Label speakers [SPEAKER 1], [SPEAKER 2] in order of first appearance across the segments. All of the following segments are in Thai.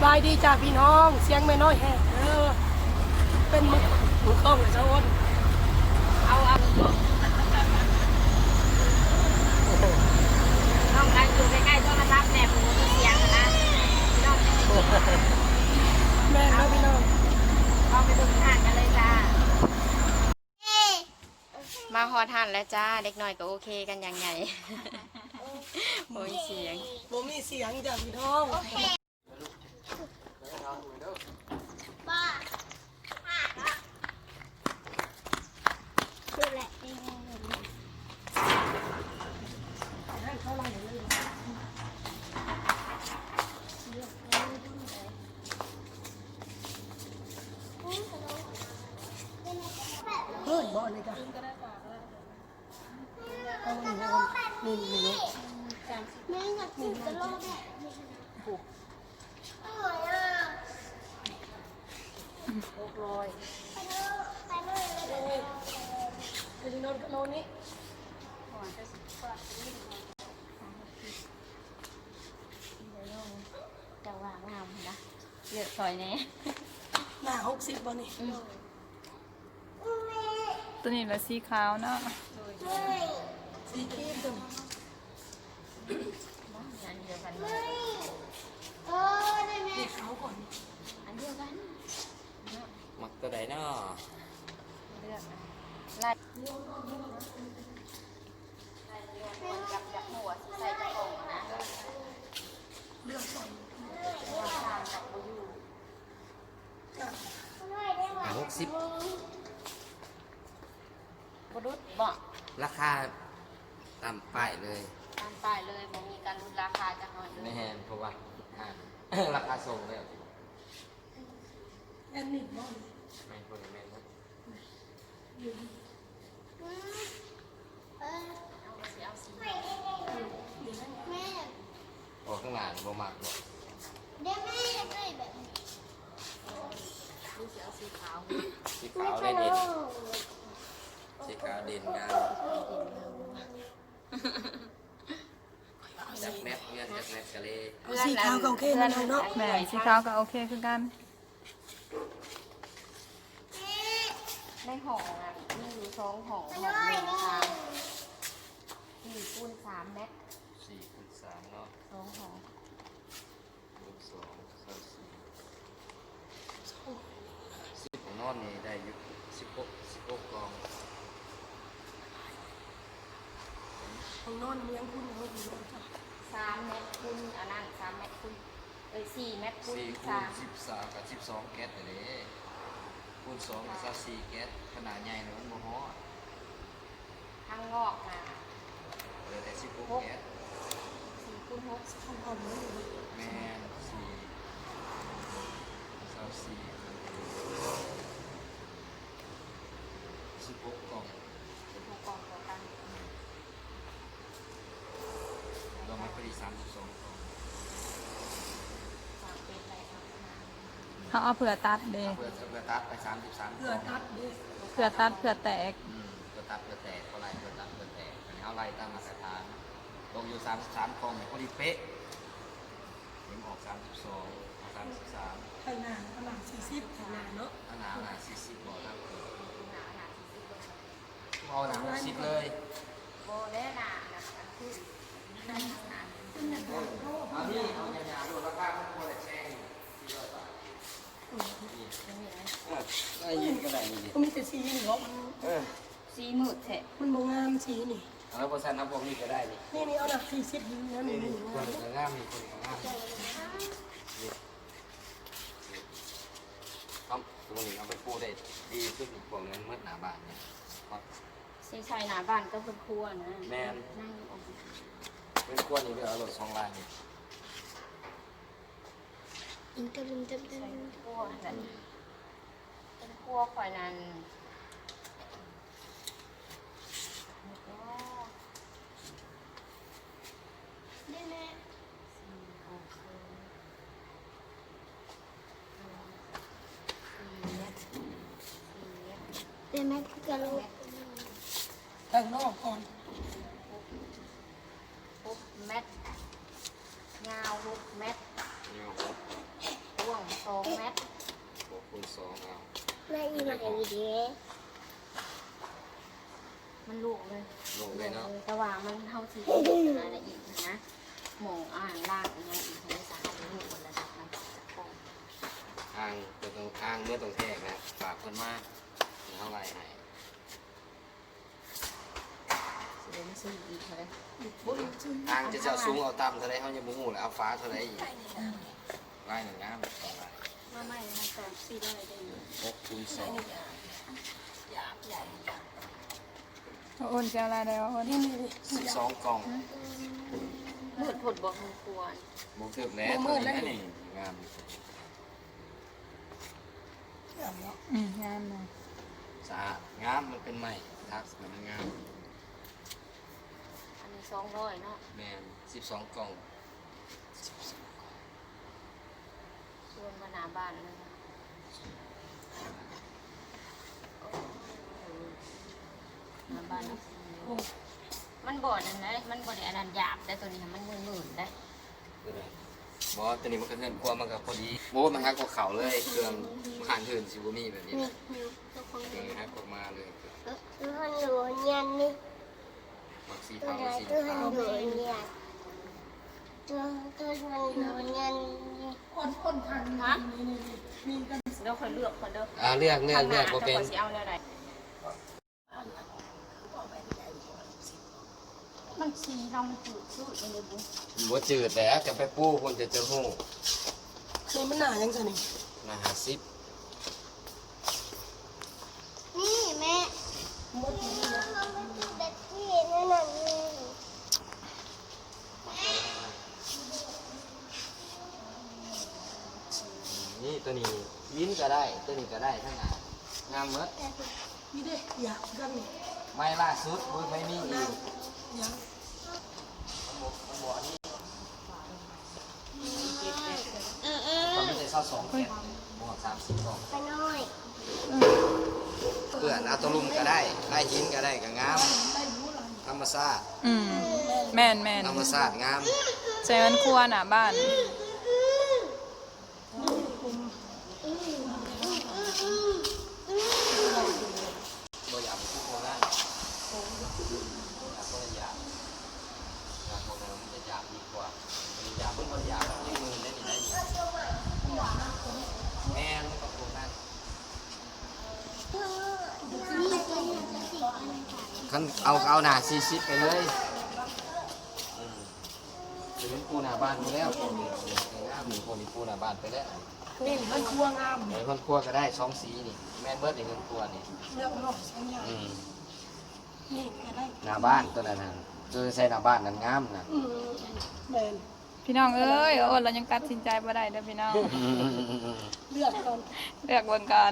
[SPEAKER 1] บายดีจ้าพี่น้องเสียงไม่น้อยแห้งเป็นมือข้องเลยเจ้าอ้น
[SPEAKER 2] เอาน้องกันอยู่ใกล้ๆโทรศัพท์แม่ผมมีเสียงนะน้อง
[SPEAKER 1] แม่ครับพี่น้อง
[SPEAKER 2] เอาไปดูทานกันเลยจ้ามาฮอทานแล้วจ้าเด็กน้อยก็โอเคกันอย่างไงโอ้ยเสียง
[SPEAKER 1] ผมมีเสียงจ้าพี่น้อง
[SPEAKER 3] บ้าคือแหละ
[SPEAKER 1] เฮ้ยบ่เลยจ้ะเอาหนึ่ง
[SPEAKER 3] แม่อยากกินกระโหลกเนี่ยอร่อยอ่ะ
[SPEAKER 2] 600
[SPEAKER 3] ไปเลย
[SPEAKER 1] ไปนอนกับโนนี่
[SPEAKER 2] จะวางงามนะเลือกซอยแน่
[SPEAKER 1] หน้า60บ่นี่
[SPEAKER 4] ตัวนี้ละสีขาวเนาะ
[SPEAKER 1] สีครีมจ้ะ
[SPEAKER 2] อันเดียวกัน
[SPEAKER 3] ได้ไหม
[SPEAKER 1] สีขาวก่อน
[SPEAKER 2] อันเดียวกัน
[SPEAKER 5] มักตัวใดเนาะ
[SPEAKER 2] เลือกไล่กับจับหัวใส่จับของนะ
[SPEAKER 1] เลือกก่อน
[SPEAKER 5] 60
[SPEAKER 2] บรุษบอก
[SPEAKER 5] ราคาต่ำป้ายเลย
[SPEAKER 2] ตามป้ายเลยบ่มีการลดราคาจะหน่อยเล
[SPEAKER 5] ไม่
[SPEAKER 2] ย
[SPEAKER 5] แฮนเพราะว่าราคาส่งเลย
[SPEAKER 1] แอนนี่บ่
[SPEAKER 5] ไม่คนแม่นนะ
[SPEAKER 2] เอาสี
[SPEAKER 3] แม่
[SPEAKER 5] ออกข้างหลังบ่มักบ่
[SPEAKER 3] ได้แม่อยากได้แบบนี้
[SPEAKER 2] ดูสีเอาสีขาว
[SPEAKER 5] สีขาวได้เด่นสีขาวเด่นงามจักแมทเงี้ยจักแมทกะเลย
[SPEAKER 1] เอาสีขาวก็โอเคนะน้องเนาะ
[SPEAKER 4] แม่สีขาวก็โอเคคือกัน
[SPEAKER 2] ในห่ออ่ะมีอยู่2ห่อห่อหนึ่งค่ะ4 คูณ 3 เมตร
[SPEAKER 5] 4 คูณ 3เนาะ
[SPEAKER 2] 2ห่อ
[SPEAKER 5] คูณ2 3 4 10ของนอนนี่ได้อยู่16กล่อง
[SPEAKER 1] ของนอนเลี้ยงคุณเอาพี่น้องจ้ะ
[SPEAKER 2] 3 เมตรคูณอันนั้น3 เมตรคูณ4 เมตรคูณ
[SPEAKER 5] 4 คูณ 13กับ12แก๊สเลยคูณ2กับ24แก๊สขนาดใหญ่เลยมันบ่ฮอด
[SPEAKER 2] ข้างนอกนะ
[SPEAKER 5] เหลือแต่16แก๊ส
[SPEAKER 2] 4 คูณ 6
[SPEAKER 1] ของผมนี่
[SPEAKER 5] แม่น4 24 16กล่อง
[SPEAKER 2] 16กล่องต่อกัน
[SPEAKER 5] เรามาพอดี32กล่อง
[SPEAKER 2] ฝากเป็นไรครับ
[SPEAKER 4] เขาเอาเผื่อตัดเด้
[SPEAKER 5] เพื่อตัดไป33
[SPEAKER 1] เพื่อตัดดิ
[SPEAKER 4] เผื่อตัดเผื่อแตก
[SPEAKER 5] เพื่อตัดเพื่อแตกเท่าไรเพื่อตัดเพื่อแตกอันนี้เอาไรตามมาตรฐานลงอยู่33กล่องเนี่ยพอดีเป๊ะเห็นออก32เอา33
[SPEAKER 1] ข้างหน้าข้างหลัง40ข้างหน้าเนาะ
[SPEAKER 5] หนา40บ่ครับ
[SPEAKER 2] หนา40เลย
[SPEAKER 5] เอาหนา60เลย
[SPEAKER 2] โบได้หนานะคือหนา
[SPEAKER 5] เอานี่เอายาๆดูราคามันควรจะแช่ง400 บาทได้ยินก็ได้นี่ดิ
[SPEAKER 1] ก็มีแต่สีนี่เนาะ
[SPEAKER 2] สีมืดแท้
[SPEAKER 1] มันบ่งามสีนี่
[SPEAKER 5] แล้วพอสั้นนับพวกนี้ก็ได้นี่
[SPEAKER 1] นี่เอาหนัก40นี่นะนี่
[SPEAKER 5] คนก็งามมีคนก็งามเอาตัวนี้เอาไปปูได้ดีขึ้นพวกนั้นเมื่อหนาบานเนี่ย
[SPEAKER 2] สีใส่หนาบ้านก็เป็นครัวนะ
[SPEAKER 5] แม่น
[SPEAKER 2] นั่งออก
[SPEAKER 5] เป็นขั้วนี้เดี๋ยวเอารถ2 ล้านนี่
[SPEAKER 3] อินเตอร์ลินเตอร์
[SPEAKER 2] ใส่ครัวแต่เป็นครัวข่อยนั้นแล้วก็
[SPEAKER 3] ได้แม่
[SPEAKER 2] 4 6 4 เมตร
[SPEAKER 3] ได้แม่คือกระโหลก
[SPEAKER 1] ข้างนอกก่อน
[SPEAKER 2] 6 เมตรยาว6 เมตร
[SPEAKER 5] นี่ 32เอา
[SPEAKER 3] แม่อีใหม่ดี
[SPEAKER 2] มันลูกเลย
[SPEAKER 5] ลงเลยเนาะ
[SPEAKER 2] แต่ว่ามันเท่าที่อะไรอีกนะหมองอ่านล่างอย่างอีกในสารลูกคนละดับนะของ
[SPEAKER 5] อ้างตัวตรงอ้างเมื่อตรงแทกนะฝากเพิ่นมาเท่าไหร่ให้
[SPEAKER 2] เสียงซื้ออีกเท่าไหร่
[SPEAKER 5] อ้างจะเจ้าสูงเอาต่ำเท่าไรเขายังบ่ฮู้แล้วเอาฟ้าเท่าไรอีกลายหนึ่งงามสองลาย
[SPEAKER 1] มาใหม่นะแต่4ได้ได้อยู่
[SPEAKER 5] 6คูณ2
[SPEAKER 4] เอาอ้นจะเอาอะไรได้วะอ้น
[SPEAKER 5] 12กล่อง
[SPEAKER 2] มืดผดบอกมันควร
[SPEAKER 5] บ่ถึกแล้วตัวนี้นี่งาม
[SPEAKER 4] งามนะ
[SPEAKER 5] สะอาดงามมันเป็นไม้ทักมันงาม
[SPEAKER 2] อันนี้200เนาะ
[SPEAKER 5] แม่น12กล่อง
[SPEAKER 2] ส่วนมาหน้าบ้านเลยหน้าบ้านมันบ่อนั่นนะมันบ่ได้อันนั้นหยาบแต่ตัวนี้มันหมื่นๆได้
[SPEAKER 5] บ่ตัวนี้มันก็เงินกว่ามันก็พอดีโอ้มันฮักกว่าเขาเลยเครื่องขานอื่นสิบ่มีแบบนี้
[SPEAKER 3] ๆ
[SPEAKER 5] นะ
[SPEAKER 3] มิวตัวของ
[SPEAKER 5] เครื่องฮักออกมาเลย
[SPEAKER 3] ตัวของหนูยันนี่
[SPEAKER 5] มักสี
[SPEAKER 3] ตัว
[SPEAKER 5] เทา
[SPEAKER 3] ไหน
[SPEAKER 5] สี
[SPEAKER 3] ตัวข
[SPEAKER 5] ขา
[SPEAKER 3] อง
[SPEAKER 5] ว
[SPEAKER 3] หนูยันตัวของหนูยันนี่
[SPEAKER 1] คนทางนี่กัน
[SPEAKER 2] เดี๋ยวคนเลือกคนเด้อ
[SPEAKER 5] เลือกบ่เป็น
[SPEAKER 2] สิเอาแนวใดมันสีเรามันจืดชืดเลยบุ
[SPEAKER 5] บ่จืดแล้วจะไปปูคนจะเจอฮู้
[SPEAKER 1] นี่มันหนายังไงนี่
[SPEAKER 5] นะ50
[SPEAKER 3] นี่แม่เด็กที่นั่นน่ะนี่
[SPEAKER 5] นี่ตัวนี้ยิ้มก็ได้ตัวนี้ก็ได้ทั้งนั้นงามหมด
[SPEAKER 1] นี่เด้อยากกันนี่
[SPEAKER 5] ไม่ล่าสุดบ่ไม่มีอีก
[SPEAKER 1] ยัง
[SPEAKER 5] มันไม่ได้22แค่บวก30กล่อง
[SPEAKER 3] ไปน้อย
[SPEAKER 5] เพื่อนเอาตัวลุมก็ได้ได้หินก็ได้ก็งามธรรมชาติ
[SPEAKER 4] แม่น
[SPEAKER 5] ธรรมชาติงาม
[SPEAKER 4] ใส่มันครัวหน้าบ้าน
[SPEAKER 5] บ่อยากไปทุกคนนะอยากก็อยากอยากคนมันจะอยากดีกว่าอยากมันก็อยากยิ่งมือได้ดีได้ดีแม่นกับคนนั้นคันเอาหน้า40ไปเลยเป็นปูหน้าบ้านไปแล้วคนนี้คนนี้ปูหน้าบ้านไปแล้ว
[SPEAKER 1] นี่มันครัวงาม
[SPEAKER 5] เงินครัวก็ได้2สีนี่แม่นเบิดเงินครัวนี่
[SPEAKER 1] เลือกรอบสองอย่าง นี่ก็ได้
[SPEAKER 5] หน้าบ้านตัวนั้นน่ะตัวใส่หน้าบ้านนั้นงามนะ
[SPEAKER 1] แมน
[SPEAKER 4] พี่น้องเอ้ยอ้นเรายังตัดสินใจบ่ได้เด้อพี่น้อง
[SPEAKER 1] เลือกก่อน
[SPEAKER 4] เลือกเบิ่งก่อน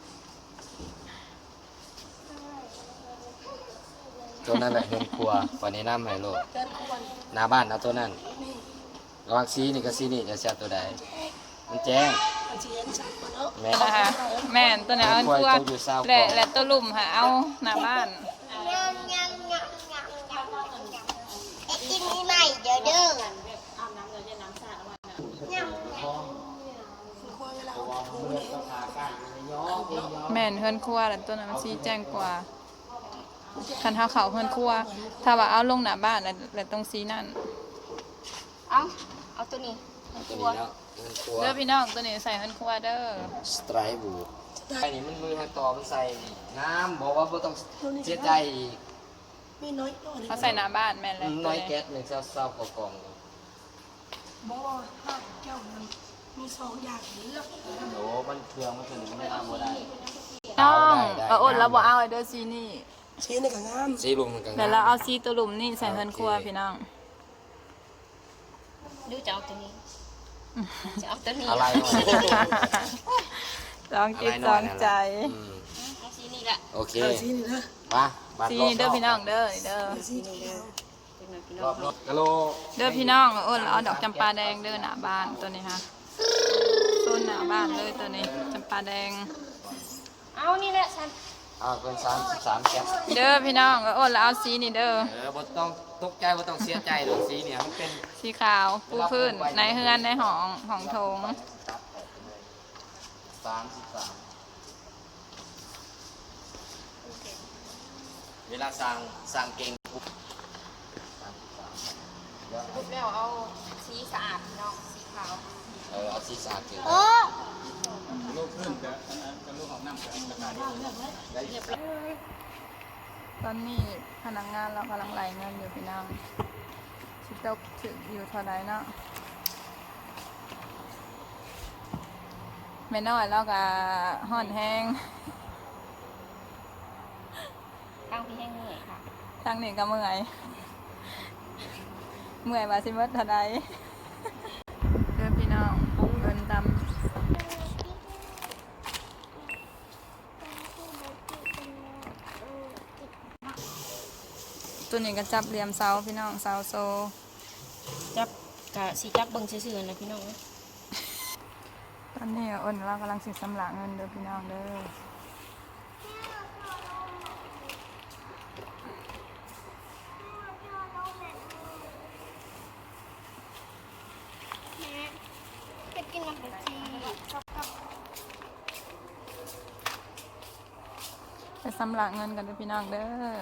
[SPEAKER 5] ตัวนั้นแหละเงินครัววันนี้น้ำให้โลก
[SPEAKER 1] เกินควร
[SPEAKER 5] หน้าบ้านเอาตัวนั้น
[SPEAKER 1] นี่
[SPEAKER 5] ระหว่างสีนี่กับสีนี่จะเสียตัวใดมันแจ้ง
[SPEAKER 1] อาเจียนชักก่อนเนาะ
[SPEAKER 5] แม่
[SPEAKER 4] นะคะแม่นตัวไหนเอาครัวและตัวลุ่มค่ะเอาหน้าบ้าน
[SPEAKER 3] ยำยำยำยำยำยำไอ้กินนี่ใหม่เดี๋ยวเด้อ
[SPEAKER 2] อาบน้ำเดี๋ยวจะน้ำสาดวันน่ะ
[SPEAKER 3] ยำ
[SPEAKER 1] คือควรเวลาเอาถูนี่
[SPEAKER 4] แม่นเฮือนครัวแล้วตัวนั้นมันสีแจ้งกว่าคันเฮาเข้าเฮือนครัว ถ้าว่าเอาลงหน้าบ้านแล้วตรงสีนั่น
[SPEAKER 2] เอาตัวนี้
[SPEAKER 5] ตัวนี้เนาะเงินครัว
[SPEAKER 4] เด้อพี่น้องตัวนี้ใส่เฮือนครัวเด้อ
[SPEAKER 5] สไตรบูไอ้นี่มันมือให้ต่อมันใส่น้ำบอกว่าบ่ต้องเสียใจอีก
[SPEAKER 1] มีน้อยก็
[SPEAKER 4] เขาใส่หน้าบ้านแม่นแล้ว
[SPEAKER 5] น้อยแก๊สหนึ่งเศร้าๆกล่อง
[SPEAKER 1] บ่ห้าแก้วมันมีสองอย่างเลือก
[SPEAKER 5] โอ้มันเครื่องมันถึงไม่เอาบ่ได้
[SPEAKER 4] น้อง
[SPEAKER 5] ได้
[SPEAKER 4] เอาอดแล้วบ่เอาไอ้เด้อสีนี่
[SPEAKER 1] ชี้ในกับงาม
[SPEAKER 5] สีลุมมันก็
[SPEAKER 4] แล้วเราเอาสีตัวลุ่มนี่ใส่เฮือนครัวพี่น้อง
[SPEAKER 2] ดูจะเอาตัวนี้จะเอาตัวนี้
[SPEAKER 5] อะไรหน่อย
[SPEAKER 4] ลองจิตลองใจ
[SPEAKER 5] อืม
[SPEAKER 2] เอาสีนี่แหละ
[SPEAKER 5] โอเค
[SPEAKER 1] ชี้นี่นะ
[SPEAKER 5] มาบัด
[SPEAKER 4] สี
[SPEAKER 5] รอบ
[SPEAKER 4] นี่เด้อพี่น้องเด้อเด้อ
[SPEAKER 1] ชี้นี่แล้ว
[SPEAKER 2] เป็นไงพี่
[SPEAKER 5] ร
[SPEAKER 2] น้อ
[SPEAKER 5] อง บรอบกะโล
[SPEAKER 4] เด้อพี่น้องอ้นเราเอาดอกจำปาแดงเด้อหน้าบ้านตัวนี้ค่ะต้นหน้าบ้านเลยตัวนี้จำปาแดง
[SPEAKER 2] เอานี่แหละฉัน
[SPEAKER 5] เป็น33แก๊ส
[SPEAKER 4] เด้อพี่น้องอ้นเราเอาสีนี่เด้อ
[SPEAKER 5] บ่ต้องตกใจบ่ต้องเสียใจดอกสีเนี่ยมันเป็น
[SPEAKER 4] สีขาวปูพื้นในเฮือนในห้องโถง
[SPEAKER 5] 33 เวลาสร้างเก่งปุ๊บ
[SPEAKER 2] ปุ๊บแล้วเอาสีสะอาดพี่น้องสีขาว
[SPEAKER 5] เอาสีสาดเก่ง
[SPEAKER 3] โอ้
[SPEAKER 6] ลูกขึ้นกับลูกของน้ำกับราคาดี
[SPEAKER 2] เรียบร้อย
[SPEAKER 4] ตอนนี้พนักงานเรากำลังไล่เงินอยู่พี่น้องชิตกถึงอยู่เท่าไรเนาะไม่น้อยแล้วก็ห่อนแห้ง
[SPEAKER 2] ตั้งพี่แห้งเหนื่อยค่ะ
[SPEAKER 4] ทางนี้ก็เมื่อย เมื่อยมาสิเมื่อเท่าไรเพื่อนพี่น้องเงินตำตัวนี้ก็จับเหลี่ยมเสาพี่น้องเสาโซ
[SPEAKER 2] จับกะสีจับเบิ่งซื่อๆนะพี่น้อง
[SPEAKER 4] ตอนนี้อ้นเรากำลังสิสำลักเงินเด้อพี่น้องเด้อ
[SPEAKER 3] แม่จะกินน้ำผักชี
[SPEAKER 4] ไปสำลักเงินกันเด้อพี่น้องเด้อ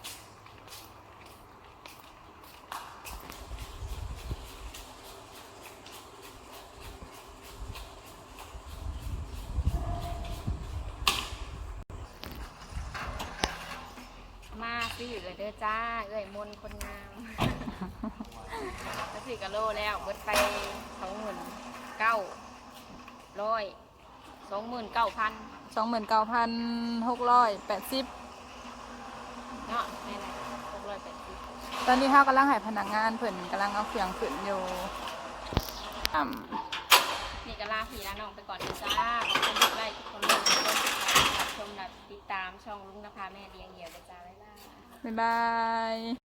[SPEAKER 2] มาซื้อเลยเด้อจ้าเอ้ยมนต์คนงาม แล้ว4 กิโลแล้วเบิดไป29,900 29,000
[SPEAKER 4] 29,680
[SPEAKER 2] เนาะนี่แหละ680
[SPEAKER 4] ตอนนี้เขากำลังให้พนักงานเพิ่นกำลังเอาเครื่องขึ้นอยู่
[SPEAKER 2] นี่ก็ลาพี่ลาน้องไปก่อนนะจ้าขอบคุณทุกไลค์ทุกคนเลยทุกคนที่รับชมรับติดตามช่องลุงนภาแม่เลี้ยงเดี่ยวนะจ้าบ๊ายบาย
[SPEAKER 4] บ๊ายบาย